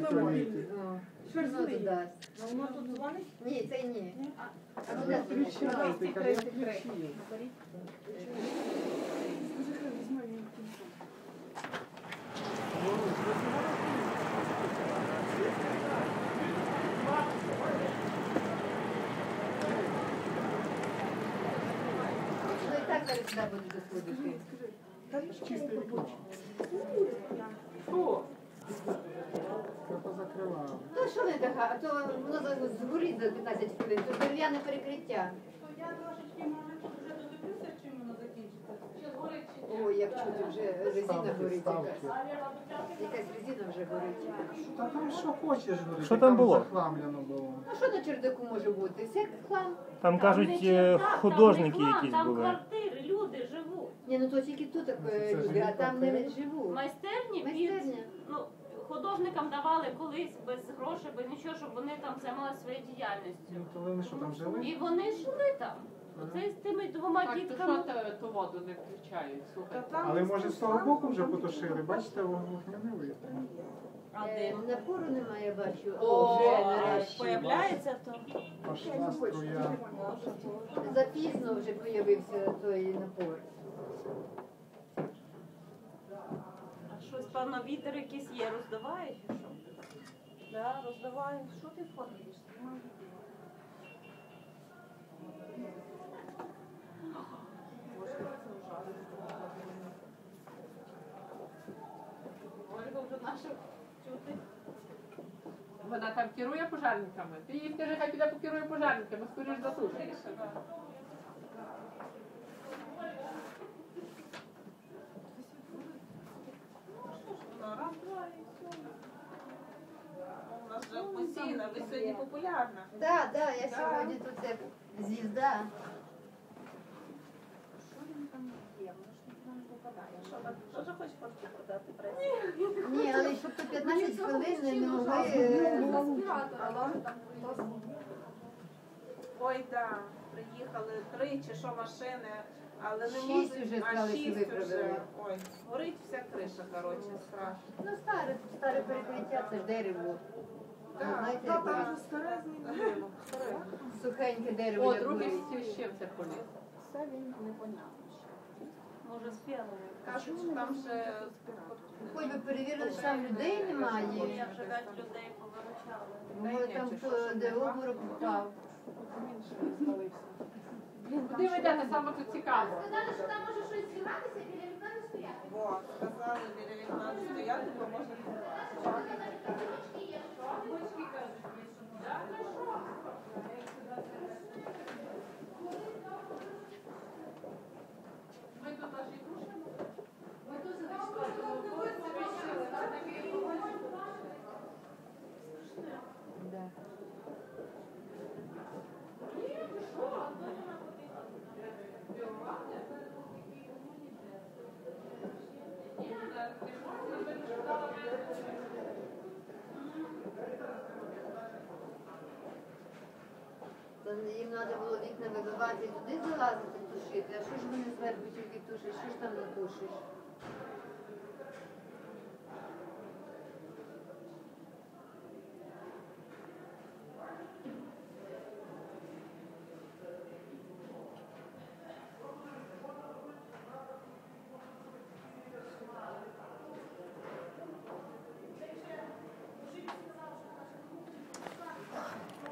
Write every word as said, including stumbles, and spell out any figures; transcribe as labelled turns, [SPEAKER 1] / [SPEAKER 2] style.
[SPEAKER 1] прикольний.
[SPEAKER 2] Воно тут дасть.
[SPEAKER 3] Воно тут дзвонить?
[SPEAKER 2] Ні, це ні. А
[SPEAKER 1] Ви
[SPEAKER 2] куди ти
[SPEAKER 1] включаєте, каже, я включив.
[SPEAKER 2] Ну і так зараз сюди будуть доходити.
[SPEAKER 1] Чистий вікно.
[SPEAKER 4] Хто?
[SPEAKER 1] Я позакривав.
[SPEAKER 2] То що не така, а то воно за- згорить за п'ятнадцять хвилин, то дерев'яне перекриття.
[SPEAKER 3] Я трошечки, може, вже додивлюся, чим воно закінчиться. Чи згорить, чи ні?
[SPEAKER 2] Ой, як чути, вже резина
[SPEAKER 1] Ставки,
[SPEAKER 2] горить
[SPEAKER 1] ставки.
[SPEAKER 2] якась. Якась резина вже горить.
[SPEAKER 1] Та там що хочеш, говорити.
[SPEAKER 5] Що там було?
[SPEAKER 1] Захламлено було.
[SPEAKER 2] Ну що на чердаку може бути? Все хлам.
[SPEAKER 5] Там кажуть,
[SPEAKER 6] не
[SPEAKER 5] е,
[SPEAKER 6] чердак,
[SPEAKER 5] художники
[SPEAKER 6] там не
[SPEAKER 5] якісь
[SPEAKER 6] хлам, там
[SPEAKER 5] були.
[SPEAKER 6] квартири, люди живуть.
[SPEAKER 2] Ні, ну то тільки тут так
[SPEAKER 1] Це
[SPEAKER 2] люди,
[SPEAKER 1] живі
[SPEAKER 2] а там не
[SPEAKER 1] квартири?
[SPEAKER 2] живуть.
[SPEAKER 6] Майстерні
[SPEAKER 2] Майстерня.
[SPEAKER 6] під, ну, художникам давали колись без грошей, без нічого, щоб вони там займалися своєю діяльністю.
[SPEAKER 1] Ну, то вони що там жили?
[SPEAKER 6] І вони жили там. Оце з тими двома
[SPEAKER 4] Так, то що
[SPEAKER 6] дітками.
[SPEAKER 4] те- ту воду не включають? Слухайте.
[SPEAKER 1] Але може з того боку вже потушили, бачите, вогня не видно.
[SPEAKER 6] А
[SPEAKER 2] Е,
[SPEAKER 6] де?
[SPEAKER 2] Напору немає, бачу.
[SPEAKER 6] О,
[SPEAKER 2] О, вже
[SPEAKER 6] а
[SPEAKER 2] нарешті.
[SPEAKER 6] появляється то.
[SPEAKER 1] Пошла струя.
[SPEAKER 2] Запізно вже появився той напор.
[SPEAKER 6] А щось, певно, вітер якийсь є, роздуває чи що? Да, роздуває. Що ти фоткаєш?
[SPEAKER 4] Ольга вже наша чути. Вона там керує пожежниками. Ти їй скажи, хай піде покерує пожежниками, скоріш затушиш.
[SPEAKER 3] Раз, два і все. У нас вже постійно, ви сьогодні популярна.
[SPEAKER 2] Так, так, я сьогодні тут як звізда.
[SPEAKER 3] Що він там є? Воно ж ніхто не попадає. Що, ви теж хочеш фотки продати пресі?
[SPEAKER 2] Ні, але щоб то п'ятнадцять хвилин не могли. е,
[SPEAKER 3] Ой, так, приїхали три чи що машини, але не
[SPEAKER 2] Шість
[SPEAKER 3] можуть,
[SPEAKER 2] вже
[SPEAKER 3] а
[SPEAKER 2] сказали, що
[SPEAKER 3] шість
[SPEAKER 2] виправили.
[SPEAKER 3] вже. Ой, горить вся криша, коротше, страшно.
[SPEAKER 2] Ну, старе, старе перекриття, це ж дерево. Ну,
[SPEAKER 3] Так,
[SPEAKER 2] знаєте,
[SPEAKER 3] так,
[SPEAKER 2] як
[SPEAKER 3] так.
[SPEAKER 2] горить?
[SPEAKER 3] Старе змінило.
[SPEAKER 2] Сухеньке дерево,
[SPEAKER 4] О,
[SPEAKER 2] як
[SPEAKER 4] другий
[SPEAKER 2] горить.
[SPEAKER 4] священця поліз.
[SPEAKER 3] Це він непонятно.
[SPEAKER 6] Може, з фіаловою.
[SPEAKER 3] Кажуть, що там ще
[SPEAKER 2] Хоч би перевірили, що там людей
[SPEAKER 6] Я
[SPEAKER 2] немає.
[SPEAKER 6] вже п'ять людей повиручала.
[SPEAKER 2] Може там хто де обморок впав.
[SPEAKER 4] Куди ви йдете, саме тут цікаво?
[SPEAKER 7] Сказали, що там може щось зніматися, біля вікна не стояти.
[SPEAKER 3] Во, сказали, біля вікна не стояти, бо можна
[SPEAKER 4] Ми тут аж і душимо.
[SPEAKER 2] Да. То їм треба було вікна вибивати і туди залазити, тушити. А що ж вони зверху тільки тушать? Що ж там не тушиш?